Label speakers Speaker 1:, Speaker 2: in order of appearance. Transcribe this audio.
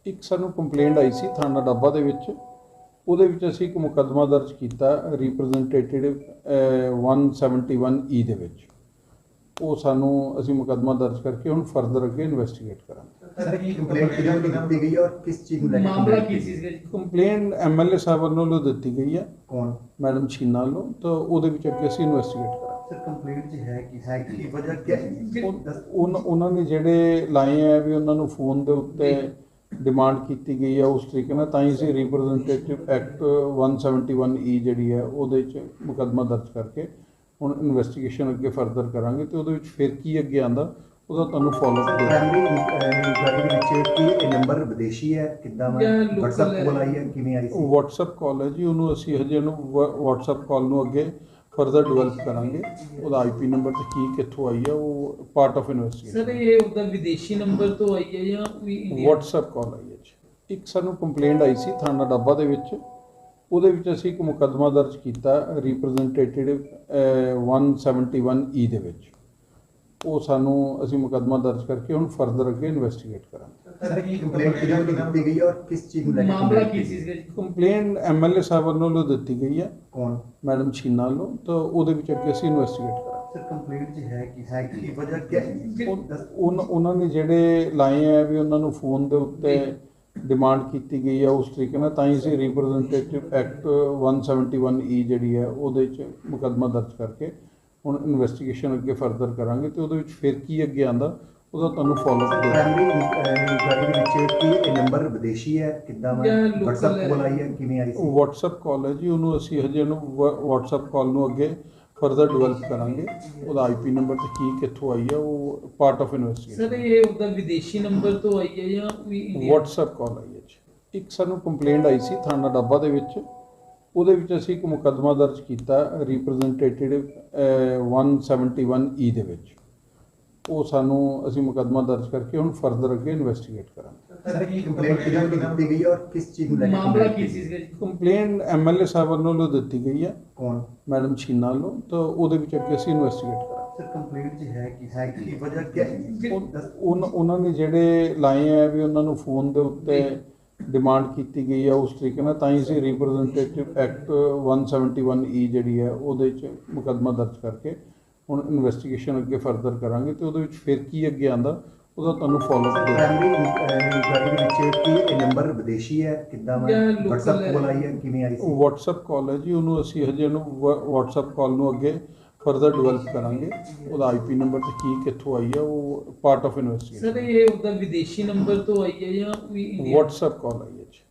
Speaker 1: ਇੱਕ ਸਾਨੂੰ ਕੰਪਲੇਂਟ ਆਈ ਸੀ ਥਾਣਾ ਡੱਬਾ ਦੇ ਵਿੱਚ। ਉਹਦੇ ਵਿੱਚ ਅਸੀਂ ਇੱਕ ਮੁਕੱਦਮਾ ਦਰਜ ਕੀਤਾ ਰਿਪਰੈਜ਼ੈਂਟੇਟਿਵ 171E ਦੇ ਵਿੱਚ। ਉਹ ਸਾਨੂੰ ਅਸੀਂ ਮੁਕੱਦਮਾ ਦਰਜ ਕਰਕੇ ਹੁਣ ਫਰਦਰ ਅੱਗੇ ਇਨਵੈਸਟੀਗੇਟ ਕਰਾਂਗੇ।
Speaker 2: सर ये कंप्लेंट किधर दी गई है और किस चीज को लेकर
Speaker 3: मामला किस चीज का?
Speaker 1: ਕੰਪਲੇਂਟ ਐਮਐਲਏ ਸਾਹਿਬ ਵੱਲੋਂ ਦਿੱਤੀ ਗਈ ਹੈ,
Speaker 2: कौन
Speaker 1: ਮੈਡਮ ਛੀਨਾ ਵੱਲੋਂ। ਤਾਂ ਉਹਦੇ ਵਿੱਚ ਅੱਗੇ ਅਸੀਂ ਇਨਵੈਸਟੀਗੇਟ ਕਰਾਂਗੇ।
Speaker 2: सर कंप्लेंट जो है कि वजह क्या है?
Speaker 1: ਉਹਨਾਂ ਨੇ ਜਿਹੜੇ ਲਾਏ ਹੈ ਵੀ ਉਹਨਾਂ ਨੂੰ ਫੋਨ ਦੇ ਉੱਤੇ ਡਿਮਾਂਡ ਕੀਤੀ ਗਈ ਹੈ ਉਸ ਤਰੀਕੇ ਨਾਲ, ਤਾਂ ਹੀ ਅਸੀਂ ਰਿਪਰੈਜ਼ੈਂਟੇਟਿਵ ਐਕਟ 171E ਜਿਹੜੀ ਹੈ ਉਹਦੇ 'ਚ ਮੁਕੱਦਮਾ ਦਰਜ ਕਰਕੇ ਹੁਣ ਇਨਵੈਸਟੀਗੇਸ਼ਨ ਅੱਗੇ ਫਰਦਰ ਕਰਾਂਗੇ। ਤੇ ਉਹਦੇ ਵਿੱਚ ਫਿਰ ਕੀ ਅੱਗੇ ਆਉਂਦਾ ਉਹਦਾ ਤੁਹਾਨੂੰ ਫੋਲੋ ਅਪ
Speaker 2: प्राइमरी इंक्वायरी ਦੇ ਵਿੱਚ ਕਿ ਇਹ ਨੰਬਰ ਵਿਦੇਸ਼ੀ ਹੈ, ਕਿੱਦਾਂ ਮੈਂ WhatsApp ਕੋਲ ਆਈ ਹੈ, ਕਿਵੇਂ ਆਈ ਸੀ?
Speaker 1: WhatsApp ਕਾਲ ਹੈ ਜੀ, ਉਹਨੂੰ ਅਸੀਂ ਹਜੇ ਇਹਨੂੰ WhatsApp ਕਾਲ ਨੂੰ ਅੱਗੇ ਫਰਦਰ ਡਿਵੈਲਪ ਕਰਾਂਗੇ। ਉਹਦਾ IP ਨੰਬਰ ਤੇ ਕੀ ਕਿੱਥੋਂ ਆਈ ਹੈ ਉਹ ਪਾਰਟ ਆਫ ਇਨਵੈਸਟੀਗੇਸ਼ਨ।
Speaker 3: ਸਰ ਇਹ ਉਹਦਾ ਵਿਦੇਸ਼ੀ ਨੰਬਰ ਤੋਂ ਆਈ ਹੈ ਜਾਂ ਵੀ ਇੰਡੀਆ?
Speaker 1: WhatsApp ਕਾਲ ਆਈ ਹੈ ਜੀ। ਇੱਕ ਸਾਨੂੰ ਕੰਪਲੇਂਟ ਆਈ ਸੀ ਥਾਣਾ ਡੱਬਾ ਦੇ ਵਿੱਚ। ਉਹਦੇ ਵਿੱਚ ਅਸੀਂ ਇੱਕ ਮੁਕੱਦਮਾ ਦਰਜ ਕੀਤਾ ਰਿਪਰੈਜ਼ੈਂਟੇਟਿਵ 171E ਦੇ ਵਿੱਚ। ਉਹ ਸਾਨੂੰ ਅਸੀਂ ਮੁਕੱਦਮਾ ਦਰਜ ਕਰਕੇ ਹੁਣ ਫਰਦਰ ਅੱਗੇ ਇਨਵੈਸਟੀਗੇਟ ਕਰਾਂਗੇ।
Speaker 2: सर ये कंप्लेंट किधर दी गई है और किस चीज को लेकर
Speaker 3: मामला किस चीज का?
Speaker 1: ਕੰਪਲੇਂਟ ਐਮਐਲਏ ਸਾਹਿਬ ਵੱਲੋਂ ਦਿੱਤੀ ਗਈ ਹੈ,
Speaker 2: कौन
Speaker 1: ਮੈਡਮ ਛੀਨਾ ਵੱਲੋਂ। ਤਾਂ ਉਹਦੇ ਵਿੱਚ ਅੱਗੇ ਅਸੀਂ ਇਨਵੈਸਟੀਗੇਟ ਕਰਾਂਗੇ।
Speaker 2: सर कंप्लेंट जो है कि वजह क्या है?
Speaker 1: ਉਹਨਾਂ ਨੇ ਜਿਹੜੇ ਲਾਏ ਹੈ ਵੀ ਉਹਨਾਂ ਨੂੰ ਫੋਨ ਦੇ ਉੱਤੇ ਡਿਮਾਂਡ ਕੀਤੀ ਗਈ ਹੈ ਉਸ ਤਰੀਕੇ ਨਾਲ, ਤਾਂ ਹੀ ਅਸੀਂ ਰਿਪਰੈਜ਼ੈਂਟੇਟਿਵ ਐਕਟ 171E ਜਿਹੜੀ ਹੈ ਉਹਦੇ 'ਚ ਮੁਕੱਦਮਾ ਦਰਜ ਕਰਕੇ ਹੁਣ ਇਨਵੈਸਟੀਗੇਸ਼ਨ ਅੱਗੇ ਫਰਦਰ ਕਰਾਂਗੇ। ਤੇ ਉਹਦੇ ਵਿੱਚ ਫਿਰ ਕੀ ਅੱਗੇ ਆਉਂਦਾ ਉਹਦਾ ਤੁਹਾਨੂੰ ਫੋਲੋ ਅਪ
Speaker 2: ਪ੍ਰਾਇਮਰੀ ਇੰਕਵਾਇਰੀ ਦੇ ਵਿੱਚ ਕਿ ਇਹ ਨੰਬਰ ਵਿਦੇਸ਼ੀ ਹੈ, ਕਿੱਦਾਂ ਮੈਂ WhatsApp ਕੋਲ ਆਈ ਹੈ, ਕਿਵੇਂ ਆਈ ਸੀ?
Speaker 1: WhatsApp ਕਾਲ ਹੈ ਜੀ, ਉਹਨੂੰ ਅਸੀਂ ਹਜੇ ਇਹਨੂੰ WhatsApp ਕਾਲ ਨੂੰ ਅੱਗੇ ਫਰਦਰ ਡਿਵੈਲਪ ਕਰਾਂਗੇ। ਉਹਦਾ IP ਨੰਬਰ ਤੇ ਕੀ ਕਿੱਥੋਂ ਆਈ ਹੈ ਉਹ ਪਾਰਟ ਆਫ ਇਨਵੈਸਟੀਗੇਸ਼ਨ।
Speaker 3: ਸਰ ਇਹ ਉਹਦਾ ਵਿਦੇਸ਼ੀ ਨੰਬਰ ਤੋਂ ਆਈ ਹੈ ਜਾਂ ਵੀ ਇੰਡੀਆ?
Speaker 1: WhatsApp ਕਾਲ ਆਈ ਹੈ ਜੀ। ਇੱਕ ਸਾਨੂੰ ਕੰਪਲੇਂਟ ਆਈ ਸੀ ਥਾਣਾ ਡੱਬਾ ਦੇ ਵਿੱਚ। ਉਹਦੇ ਵਿੱਚ ਅਸੀਂ ਇੱਕ ਮੁਕੱਦਮਾ ਦਰਜ ਕੀਤਾ ਰਿਪਰੈਜ਼ੈਂਟੇਟਿਵ 171E ਦੇ ਵਿੱਚ। ਉਹ ਸਾਨੂੰ ਅਸੀਂ ਮੁਕੱਦਮਾ ਦਰਜ ਕਰਕੇ ਹੁਣ ਫਰਦਰ ਅੱਗੇ ਇਨਵੈਸਟੀਗੇਟ ਕਰਾਂਗੇ।
Speaker 2: सर ये कंप्लेंट किधर दी गई है और किस चीज को लेकर
Speaker 3: मामला किस चीज का?
Speaker 1: ਕੰਪਲੇਂਟ ਐਮਐਲਏ ਸਾਹਿਬ ਵੱਲੋਂ ਦਿੱਤੀ ਗਈ ਹੈ,
Speaker 2: कौन
Speaker 1: ਮੈਡਮ ਛੀਨਾ ਵੱਲੋਂ। ਤਾਂ ਉਹਦੇ ਵਿੱਚ ਅੱਗੇ ਅਸੀਂ ਇਨਵੈਸਟੀਗੇਟ ਕਰਾਂਗੇ।
Speaker 2: सर कंप्लेंट जो है कि वजह क्या है?
Speaker 1: ਉਹਨਾਂ ਨੇ ਜਿਹੜੇ ਲਾਏ ਹੈ ਵੀ ਉਹਨਾਂ ਨੂੰ ਫੋਨ ਦੇ ਉੱਤੇ ਡਿਮਾਂਡ ਕੀਤੀ ਗਈ ਹੈ ਉਸ ਤਰੀਕੇ ਨਾਲ, ਤਾਂ ਹੀ ਅਸੀਂ ਰਿਪਰੈਜ਼ੈਂਟੇਟਿਵ ਐਕਟ 171E ਜਿਹੜੀ ਹੈ ਉਹਦੇ 'ਚ ਮੁਕੱਦਮਾ ਦਰਜ ਕਰਕੇ ਹੁਣ ਇਨਵੈਸਟੀਗੇਸ਼ਨ ਅੱਗੇ ਫਰਦਰ ਕਰਾਂਗੇ। ਤੇ ਉਹਦੇ ਵਿੱਚ ਫਿਰ ਕੀ ਅੱਗੇ ਆਉਂਦਾ ਉਹਦਾ ਤੁਹਾਨੂੰ ਫੋਲੋ ਅਪ
Speaker 2: ਪ੍ਰਾਇਮਰੀ ਇੰਕਵਾਇਰੀ ਦੇ ਵਿੱਚ ਕਿ ਇਹ ਨੰਬਰ ਵਿਦੇਸ਼ੀ ਹੈ, ਕਿੱਦਾਂ ਮੈਂ WhatsApp ਕੋਲ ਆਈ ਹੈ, ਕਿਵੇਂ ਆਈ ਸੀ?
Speaker 1: WhatsApp ਕਾਲ ਹੈ ਜੀ, ਉਹਨੂੰ ਅਸੀਂ ਹਜੇ ਇਹਨੂੰ WhatsApp ਕਾਲ ਨੂੰ ਅੱਗੇ ਫਰਦਰ ਡਿਵੈਲਪ ਕਰਾਂਗੇ। ਉਹਦਾ IP ਨੰਬਰ ਤੇ ਕੀ ਕਿੱਥੋਂ ਆਈ ਹੈ ਉਹ ਪਾਰਟ ਆਫ ਇਨਵੈਸਟੀਗੇਸ਼ਨ।
Speaker 3: ਸਰ ਇਹ ਉਹਦਾ ਵਿਦੇਸ਼ੀ ਨੰਬਰ ਤੋਂ ਆਈ ਹੈ ਜਾਂ ਵੀ ਇੰਡੀਆ?
Speaker 1: WhatsApp ਕਾਲ ਆਈ ਹੈ ਜੀ।